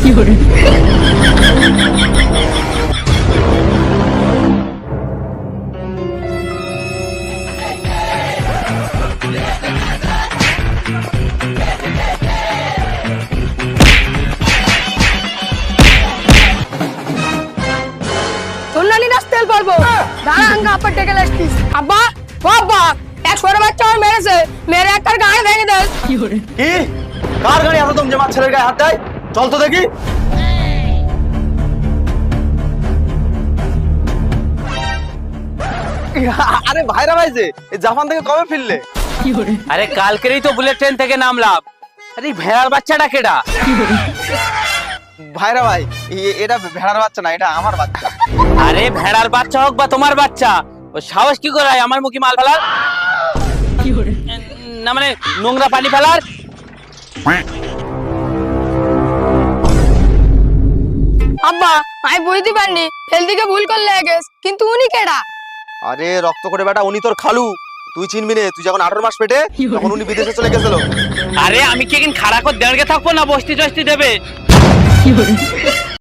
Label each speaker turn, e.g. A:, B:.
A: সোনালি নাচ তেল পারবো দাঁড়া আঙ্গা আপা ডেকে লাসতিস আব্বা ও আব্বা এক ছোট বাচ্চা আমার মেরেছে মেরে একটার গায়ে ভেঙে দেয়
B: কি কার গাড়ি এত দম জমা ছেলের গায়ে হাত দেয়? চল তো দেখি। আরে ভাইরা ভাই যে জাপান থেকে কবে ফিরলে?
C: আরে কালকেরই তো বুলেট ট্রেন থেকে নামলাম। আরে ভেড়ার বাচ্চাটা কেডা?
B: ভাইরা ভাই এটা ভেড়ার বাচ্চা না, এটা আমার বাচ্চা।
C: আরে ভেড়ার বাচ্চা হোক বা তোমার বাচ্চা, ও সাহস কি করে আমার মুখে মাল ফেলার? না মানে নোংরা পানি ফেলার?
A: আব্বা আমি বুঝতে পারিনি হেলদিকে ভুল করলে গেস কিন্তু উনি কেডা?
B: আরে রক্ত করে বেটা, উনি তোর খালু। তুই চিনবি না? তুই যখন 18 মাস পেটে তখন উনি বিদেশে চলে গেছিল।
C: আরে আমি কি এখন খাড়া করে দাঁড়িয়ে থাকবো না বসতি টসতি দেবে?